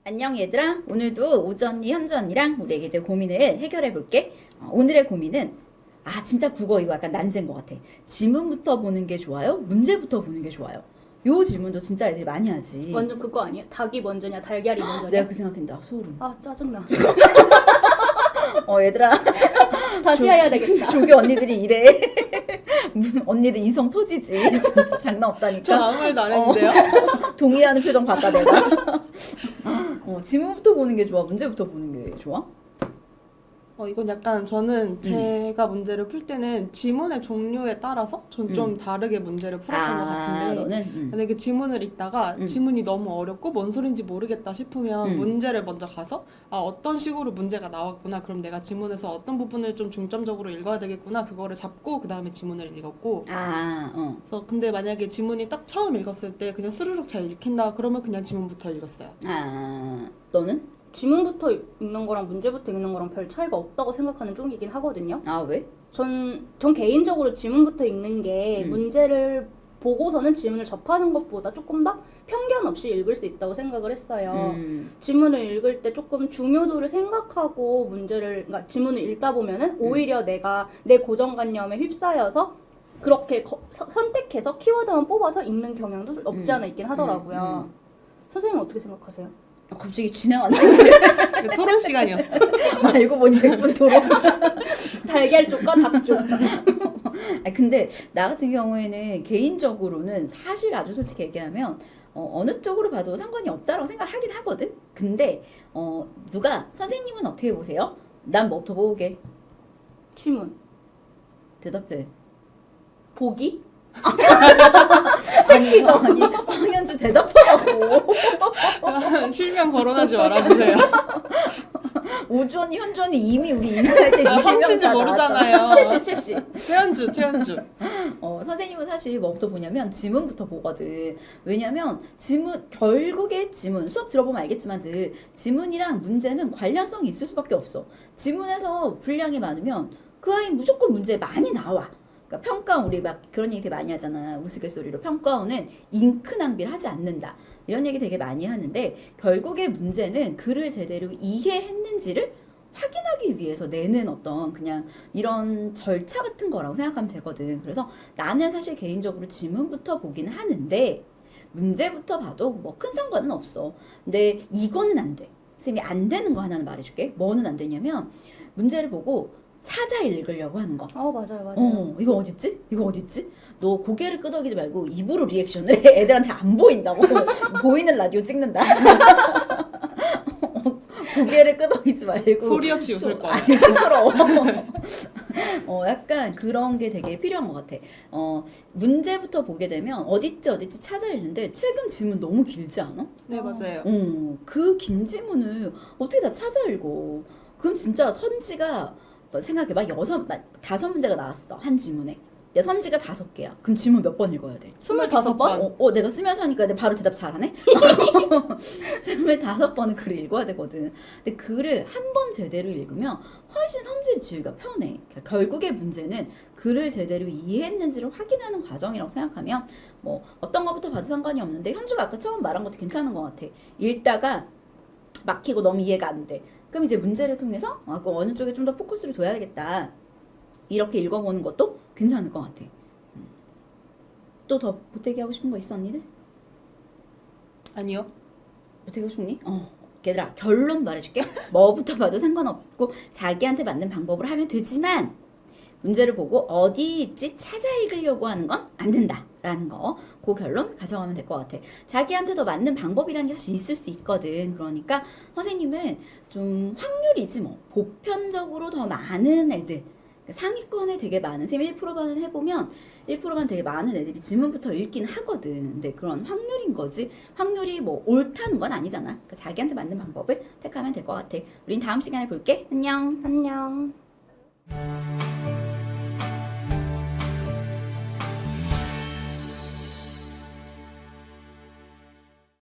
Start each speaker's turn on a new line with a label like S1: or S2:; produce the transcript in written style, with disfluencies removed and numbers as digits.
S1: 안녕 얘들아. 오늘도 오전이 현주 언니랑 우리 애기들 고민을 해결해 볼게. 오늘의 고민은 진짜 국어 이거 약간 난제인 것 같아. 지문부터 보는 게 좋아요? 문제부터 보는 게 좋아요? 요 질문도 진짜 애들이 많이 하지.
S2: 완전 그거 아니야? 닭이 먼저냐 달걀이 먼저냐?
S1: 내가 그 생각한다. 소름.
S2: 짜증나.
S1: 얘들아.
S2: 다시 해야 되겠다.
S1: 조교 언니들이 이래. 무슨 언니들 인성 터지지. 진짜 장난 없다니까.
S3: 전 아무 말도 안 했는데요.
S1: 동의하는 표정 봤다 내가. 지문부터 보는 게 좋아? 문제부터 보는 게 좋아?
S3: 이건 약간 저는 제가 문제를 풀 때는 지문의 종류에 따라서 전 좀 다르게 문제를 풀었던 것 같은데
S1: 너는?
S3: 만약에 지문을 읽다가 지문이 너무 어렵고 뭔 소린지 모르겠다 싶으면 문제를 먼저 가서 어떤 식으로 문제가 나왔구나, 그럼 내가 지문에서 어떤 부분을 좀 중점적으로 읽어야 되겠구나, 그거를 잡고 그 다음에 지문을 읽었고 그래서 근데 만약에 지문이 딱 처음 읽었을 때 그냥 스르륵 잘 읽힌다 그러면 그냥 지문부터 읽었어요.
S1: 너는?
S2: 지문부터 읽는 거랑 문제부터 읽는 거랑 별 차이가 없다고 생각하는 쪽이긴 하거든요.
S1: 왜?
S2: 전 개인적으로 지문부터 읽는 게 문제를 보고서는 지문을 접하는 것보다 조금 더 편견 없이 읽을 수 있다고 생각을 했어요. 지문을 읽을 때 조금 중요도를 생각하고 그러니까 지문을 읽다 보면은 오히려 내가 내 고정관념에 휩싸여서 그렇게 선택해서 키워드만 뽑아서 읽는 경향도 없지 않아 있긴 하더라고요. 선생님은 어떻게 생각하세요?
S1: 갑자기 진행 안 되는데.
S3: 토론 시간이었어.
S1: 알고 보니 100분 토론.
S2: 달걀 쪽과 닭 쪽.
S1: 근데 나 같은 경우에는 개인적으로는 사실 아주 솔직히 얘기하면 어느 쪽으로 봐도 상관이 없다라고 생각을 하긴 하거든. 근데 누가 선생님은 어떻게 보세요? 난 뭐부터 보게?
S2: 지문.
S1: 대답해.
S2: 보기?
S1: 아니 황현주 대답하라고.
S3: 실명 거론하지 말아주세요.
S1: 오주언니 현주언니 이미 우리 인사할 때
S3: 성씨인지 모르잖아요.
S2: 최씨.
S3: 최현주.
S1: 선생님은 사실 뭐부터 보냐면 지문부터 보거든. 왜냐면 결국에 지문, 수업 들어보면 알겠지만 지문이랑 문제는 관련성이 있을 수밖에 없어. 지문에서 분량이 많으면 그 아이 무조건 문제 많이 나와. 그러니까 평가원, 우리 막 그런 얘기 되게 많이 하잖아. 우스갯소리로 평가원은 잉크 낭비를 하지 않는다, 이런 얘기 되게 많이 하는데, 결국에 문제는 글을 제대로 이해했는지를 확인하기 위해서 내는 어떤 그냥 이런 절차 같은 거라고 생각하면 되거든. 그래서 나는 사실 개인적으로 지문부터 보긴 하는데 문제부터 봐도 뭐 큰 상관은 없어. 근데 이거는 안 돼. 선생님이 안 되는 거 하나는 말해줄게. 뭐는 안 되냐면 문제를 보고 찾아 읽으려고 하는 거.
S2: 맞아요.
S1: 이거 어딨지? 너 고개를 끄덕이지 말고 입으로 리액션을 해. 애들한테 안 보인다고. 보이는 라디오 찍는다. 고개를 끄덕이지 말고
S3: 소리 없이 웃을 거야.
S1: 시끄러워. 약간 그런 게 되게 필요한 것 같아. 문제부터 보게 되면 어딨지 찾아 읽는데 최근 지문 너무 길지 않아?
S3: 네, 맞아요.
S1: 그 긴 지문을 어떻게 다 찾아 읽어? 그럼 진짜 선지가 생각해봐. 5문제가 나왔어. 한 지문에. 내 선지가 5개야. 그럼 지문 몇 번 읽어야 돼?
S2: 25번?
S1: 내가 쓰면서 하니까 내가 바로 대답 잘하네? 25번은 글을 읽어야 되거든. 근데 글을 한 번 제대로 읽으면 훨씬 선지를 지우기가 편해. 그러니까 결국의 문제는 글을 제대로 이해했는지를 확인하는 과정이라고 생각하면 뭐 어떤 것부터 봐도 상관이 없는데, 현주가 아까 처음 말한 것도 괜찮은 것 같아. 읽다가 막히고 너무 이해가 안 돼. 그럼 이제 문제를 통해서 그 어느 쪽에 좀 더 포커스를 둬야 되겠다, 이렇게 읽어보는 것도 괜찮을 것 같아. 또 더 보태기 하고 싶은 거 있어, 언니들?
S3: 아니요.
S1: 보태기 하고 싶니? 얘들아, 결론 말해줄게. 뭐부터 봐도 상관없고 자기한테 맞는 방법으로 하면 되지만 문제를 보고 어디 있지 찾아 읽으려고 하는 건 안 된다라는 거, 그 결론 가져가면 될 것 같아. 자기한테 더 맞는 방법이라는 게 사실 있을 수 있거든. 그러니까 선생님은 좀 확률이지 뭐, 보편적으로 더 많은 애들, 상위권에 되게 많은, 쌤 1%만 해보면 1%만 되게 많은 애들이 지문부터 읽긴 하거든. 근데 그런 확률인 거지, 확률이 뭐 옳다는 건 아니잖아. 그러니까 자기한테 맞는 방법을 택하면 될 것 같아. 우린 다음 시간에 볼게. 안녕.